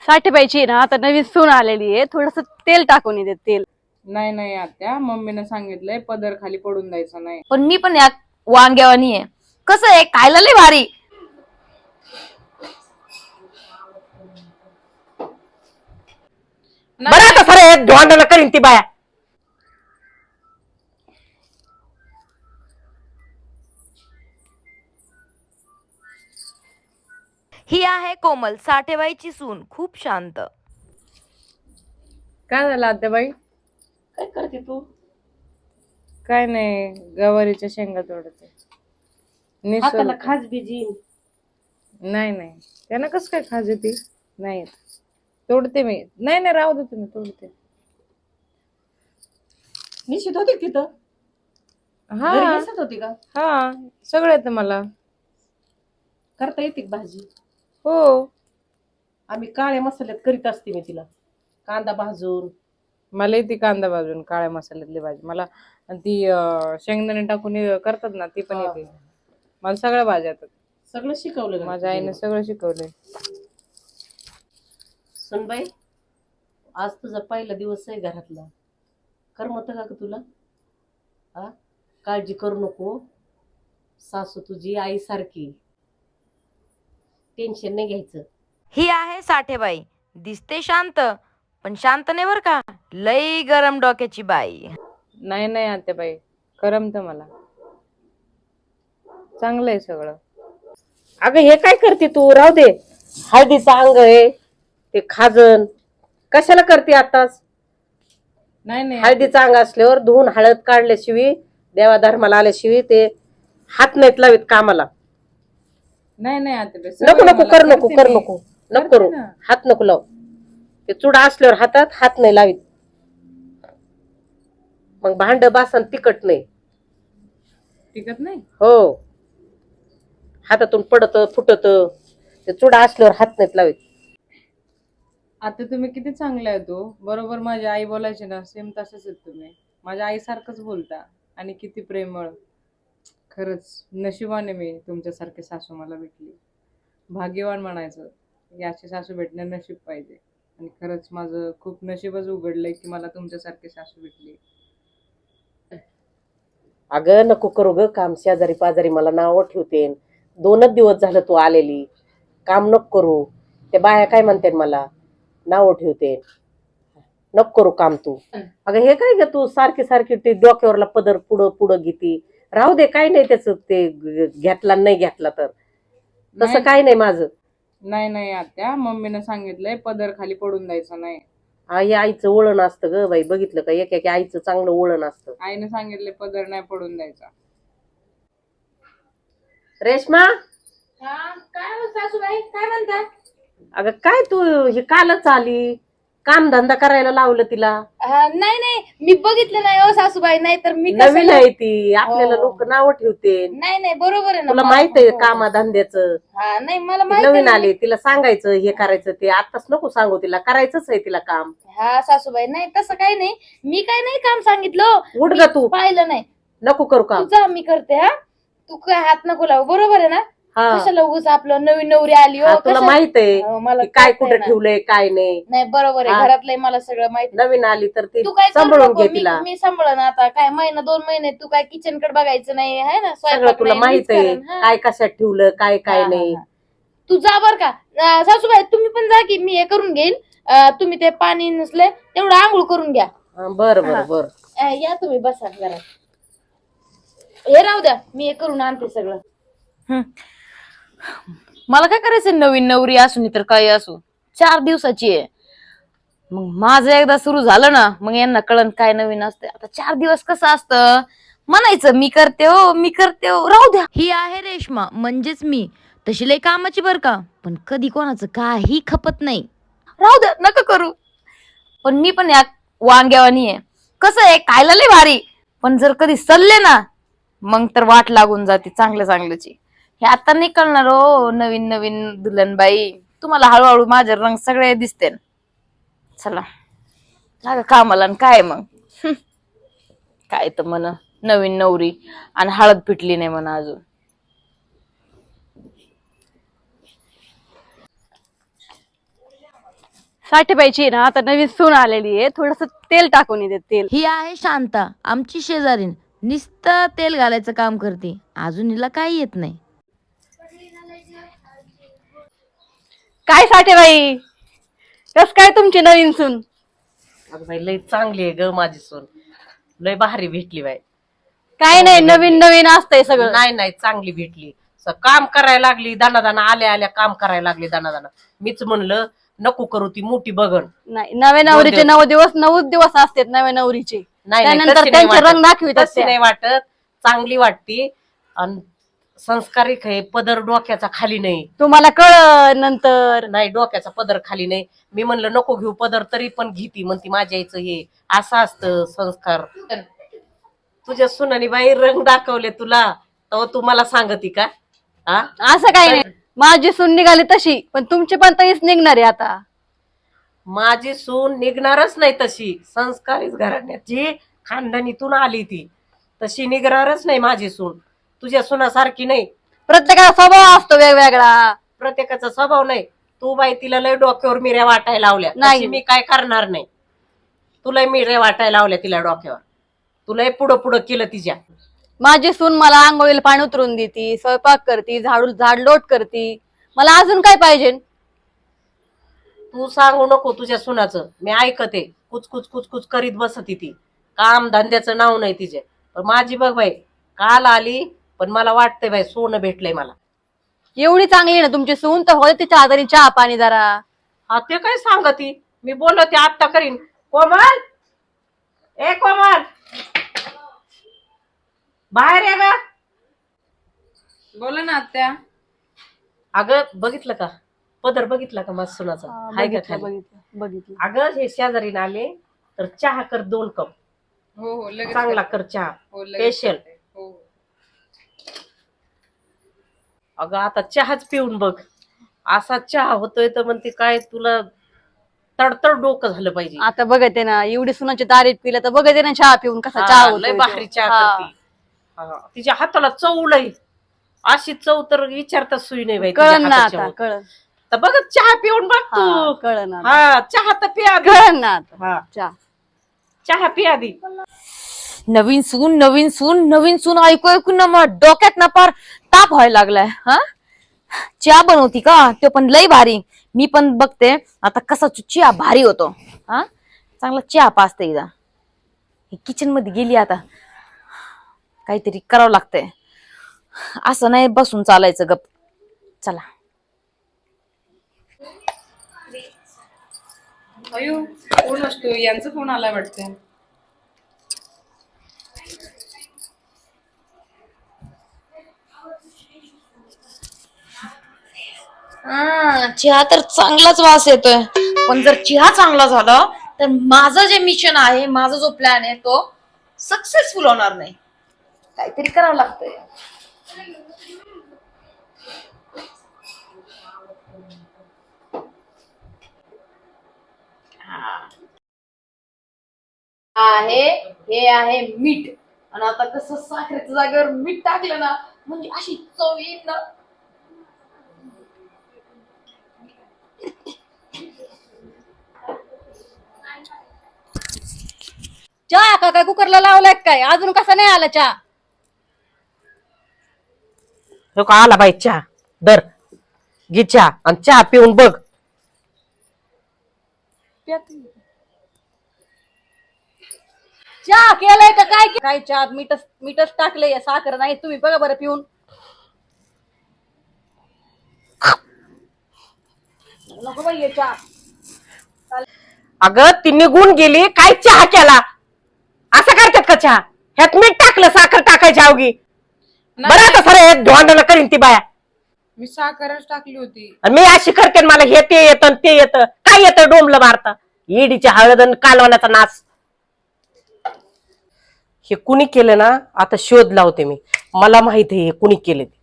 साठेबाईची ना आता नवीन सून आलेली आहे, थोडस तेल टाकून येते तेल. नाही नाही आत्या, मम्मीने सांगितलंय पदर खाली पडून द्यायचा नाही. पण मी पण यात वांग्यावानी आहे. कसं आहे, खायला लय भारी. बरं आता सर धोंडाला करीन ती बाया. ही आहे कोमल, साठेबाईची सून, खूप शांत. काय झालं आत्याबाई? काय करते तू? काय नाही, गवारीच्या शेंगा तोडते. हाताला खाज बिजी. नाही नाही, त्यांना कसं काय खाज येते? नाही तोडते मी. नाही नाही, राहू दे तुम्ही, तोडते. निश्चित होती तिथं? हा घरी बसत होती का? हा, सगळं येतं मला. करता येते का भाजी? हो, आम्ही काळ्या मसाल्यात करीत असते मी तिला. कांदा भाजून. मला येते कांदा भाजून काळ्या मसाल्यातली भाजी मला. आणि ती शेंगदाणे टाकून करतात ना, ती पण येते मला. सगळ्या भाज्या येतात. सगळं शिकवलं का माझ्या आईने सगळं शिकवलंय. सुनबाई, आज तुझा पहिला दिवस आहे घरातला. करमत का तुला? हा, काळजी करू नको. सासू तुझी आई सारखी, टेन्शन नाही घ्यायचं. ही आहे साठेबाई, दिसते शांत पण शांत नाही बर का, लई गरम डोक्याची बाई. नाही नाही आत्याबाई, करमत मला. चांगलं आहे सगळं. अगं हे काय करते तू? राहू दे. हळदीचं अंग आहे ते, खाजन कशाला करते आताच? नाही नाही हळदीचं अंग असल्यावर धुवून हळद काढल्याशिवाय, देवा धर्माला आल्याशिवाय ते हात नाहीत लावित कामाला. नाही नाही आत्याबाई, नको सगळं नको मला कर नको करते कर मी. नको नको करते करू. ना. हात नको लाव. ते चुडा असल्यावर हातात हात नाही लावित, मग भांड बासन तिकट नाही. टिकत नाही. हो, हातातून पडत फुटत. ते चुडा असल्यावर हात नाहीत लावित. आता तुम्ही किती चांगले आहे तो. बरोबर माझी आई बोलायची ना, सेम तसंच आहेत तुम्ही. माझ्या आईसारखंच बोलता आणि किती प्रेमळ. खरंच नशिबाने मी तुमच्यासारखे सासू मला भेटली. भाग्यवान म्हणायचं. याची सासू भेटणं नशीब पाहिजे. आणि खरंच माझं खूप नशीबच उघडलंय की मला तुमच्यासारखी सासू भेटली. अगं नको करू ग काम. शेजारी पाजारी मला नाव ठेवते. 2च दिवस झालं तू आलेली. काम नको करू. ते बाया काय म्हणते मला, नाव ठेवते. नको करू काम तू. अगं हे काय ग तू सारखी सारखी ते डोक्यावरला पदर पुढं पुढं घेती. राहू दे, काय नाही त्याच. ते घेतला नाही घेतला तर तसं काय नाही माझं. नाही नाही आत्या, मम्मीने सांगितलंय पदर खाली पडून द्यायचा नाही. आई आईचं वळण असतं ग बाई. बघितलं का, एक एक आईचं चांगलं वळण असतं. आईने सांगितलंय पदर नाही पडून द्यायचा. रेश्मा, काय सासूबाई, काय म्हणता? अगं काय तू हे कालच आली, काम धंदा करायला लावलं तिला. नाही नाही, मी बघितलं नाही हो सासूबाई. नाही तर मी नवीन आहे ती, आपल्याला लोक नाव ठेवते. नाही नाही, बरोबर आहे ना. तुला माहित आहे कामा धंद्याचं. नाही मला नवीन आली, तिला सांगायचं हे करायचं ते. आताच नको सांगू तिला, करायचंच आहे तिला काम. हा सासूबाई, नाही तसं काही नाही. मी काय नाही काम सांगितलं. उठ ग तू, पाहिलं नाही. नको करू काम. तुझा मी करते. हा, तू काय हात नको लावू. बरोबर आहे ना. हा, कशाला उगाच आपलं नवीन नवरी आली हो. तुला माहित आहे मला की काय कळतंय कुठे ना. ठेवलंय काय नाही. नाही बरोबर आहे, घरातलंय मला सगळं माहिती. नवीन आली तर ती तू काय करू सांभाळून नको. घे तिला. मी सांभाळन. आता काय महिना 2 महिने तू काय किचन कडे बघायचं नाही आहे ना. सगळं स्वयंपाक तुला नाही, माहित मीच आहे करेन. हा. काय कशात ठेवलं काय काय नाही. तू जा बर का. सासूबाई तुम्ही पण जा की, मी हे करून घेईन. तुम्ही ते पाणी नसले तेवढं आंघोळ करून घ्या. बर बर बर. या तुम्ही बसा जरा. हे राहू द्या, मी हे करून आणते सगळं. मला काय करायचं, नवीन नवरी असू नाही तर काही असू. 4 दिवसाची आहे. मग माझं एकदा सुरू झालं ना, मग यांना कळण काय नवीन असते. आता 4 दिवस कसं असतं, म्हणायचं मी करते हो मी करते हो. राहू द्या. ही आहे रेश्मा, म्हणजेच मी. तशी लय कामाची बर का, पण कधी कोणाचं काही खपत नाही. राहू द्या, नका करू. पण मी पण या वांग्यावानी आहे. कसं आहे, खायला लय भारी. पण जर कधी सल्ले ना, मग तर वाट लागून जाते चांगल्या चांगल्याची. हे आता नाही कळणार हो, नवीन नवीन दुल्हनबाई. तुम्हाला हळूहळू माझे रंग सगळे दिसते. चला लागा कामाला. काय मग काय तर म्हण नवीन नवरी आणि हळद पिटली नाही म्हणा अजून. साठेबाईची ना आता नवीन सून आलेली आहे, थोडस तेल टाकून येते तेल. ही आहे शांता, आमची शेजारीन. नुसतं तेल घालायचं काम करते, अजून हिला काही येत नाही. काय साठेबाई, कस काय तुमची नवीन सून? अगं बाई लय चांगली आहे ग माझी सून, लय भारी भेटली बाई. काय नाही, नवीन नवीन असतंय सगळं. नाही नाही चांगली भेटली. काम करायला लागली दाना आल्या आल्या काम करायला लागली दाना. मीच म्हणलं नको करू ती मोठी बघण. नाही, नव्या नवरीचे 9 दिवस असतात नव्या नवरीचे. नाही त्यानंतर तशी त्यांचे नाही रंग वाटत. दाखवितात तशी नाही वाटत, चांगली वाटती आणि संस्कारिक आहे. पदर डोक्याचा खाली नाही. तुम्हाला कळ नंतर. नाही डोक्याचा पदर खाली नाही. मी म्हणलं नको घेऊ पदर, तरी पण घेती म्हणती माझ्या आईचं हे असं असतं संस्कार. तुझ्या सुनानी बाई रंग दाखवले तुला, तर तू मला सांगती का? हा असं काही नाही, माझी सून निघाली तशी, पण तुमची पण तरीच निघणार आहे आता. माझी सून निघणारच नाही तशी. संस्कारित घराण्याची खानदानीतून आली ती, तशी निघणारच नाही माझी सून. तुझ्या सुनासारखी नाही. प्रत्येकाचा स्वभाव असतो वेगवेगळा. प्रत्येकाचा स्वभाव नाही. तू बाई तिला लय डोक्यावर मिऱ्या वाटायला लावल्या, नाही. तशी मी काय करणार नाही. तुला मिऱ्या वाटायला लावल्या तिला डोक्यावर, तुला पुढं पुढं केलं तिच्या. माझी सून मला आंघोळीला पाणी उतरून देती, स्वयंपाक करती, झाडलोट करती. मला अजून काय पाहिजे? तू सांगू नको तुझ्या सुनाचं, मी ऐकते. कुचकुच कुचकुच करीत बसती ती. काम धंद्याचं नाव नाही तिचे. पण माझी बघ बाई काल आली, पण मला वाटतंय बाई सोनं भेटलंय मला. एवढी चांगली आहे ना तुमची सून, तर होय तिच्या हाताने चहा पाणी जरा. हा ते काय सांगती, मी बोलते आत्ता करीन. कोमल, ए कोमल, बाहेर ये ग. बोला ना आत्या. अगं बघितलं का पदर, बघितला का माझ्या सुनाचा? हाय का खाली? बघितलं. अगं हे शेजारीने आले तर चहा कर 2 कप. हो हो लगेच चांगला करते. कर चहा हो लगेच स्पेशल. करते. हो हो. अगं आता चहाच पिऊन बघ, असा चहा होतोय तर म्हणते काय तुला तडतड डोकं झालं पाहिजे. आता बघते ना, एवढी सुनाची दारीत पिलं तर बघते ना चहा पिऊन कसा हा, चहा लय होतोय भारी तो. चहा हा. करते. हा, तिच्या हाताला चव लय. अशी चव तर विचारता सुई नाही बाई तिच्या कळन ना हाताच्या आता, वर. कळन. तर बघ चहा पिऊन बघ हा, तू. कळन आता. हा चहा तर पिया आधी. कळन ना आता. हा चहा. चहा पिया आधी. नवीन सून नवीन सून नवीन सून ऐकू ऐकून ना मग डोक्यात ना पार ताप व्हायला लागलाय. हा, चहा बनवती का? तो पण लय भारी. मी पण बघते आता कसा चहा भारी होतो. हा, चांगला चहा पाजते एकदा. किचन मध्ये गेली, आता काहीतरी करावं लागतंय. असं नाही बसून चालायचं गप. चला. अयो कोण असतो? यांचा फोन आलाय वाटतं. चहा तर चांगलाच वास येतोय, पण जर चहा चांगला झाला तर माझं जे मिशन आहे, माझा जो प्लॅन आहे तो सक्सेसफुल होणार नाही. काहीतरी करावं लागतंय. हे आहे मीठ, आणि आता कसं साखरेच्या जागेवर मीठ टाकलं ना, म्हणजे अशी चव येईल ना. चहा का काय कुकरला लावलाय काय? अजून कसा नाही आला चहा? हो का आला बाई चहा. दर घे चहा आणि चहा पिऊन बघ. चहा केलाय का काय? काय चहा मीठच टाकलंय, साखर नाही. तुम्ही बघा बरं पिऊन. नको बाई हे चहा. अगं ती निघून गेली, काय चहा केला? असं करतात का चहा? ह्यात मीठ टाकलं, साखर टाकायची अवघी. बरं आता सर ढोंडाला करीन ती बाया. मी साखरच टाकली होती. आणि मी अशी करते मला हे ते येतं ते येतं. काय येतं डोंबलं मारता? ईडीच्या हळद आणि कालवण्याचा नाच. हे कुणी केलं ना, आता शोध लावते मी. मला माहित आहे हे कुणी केले.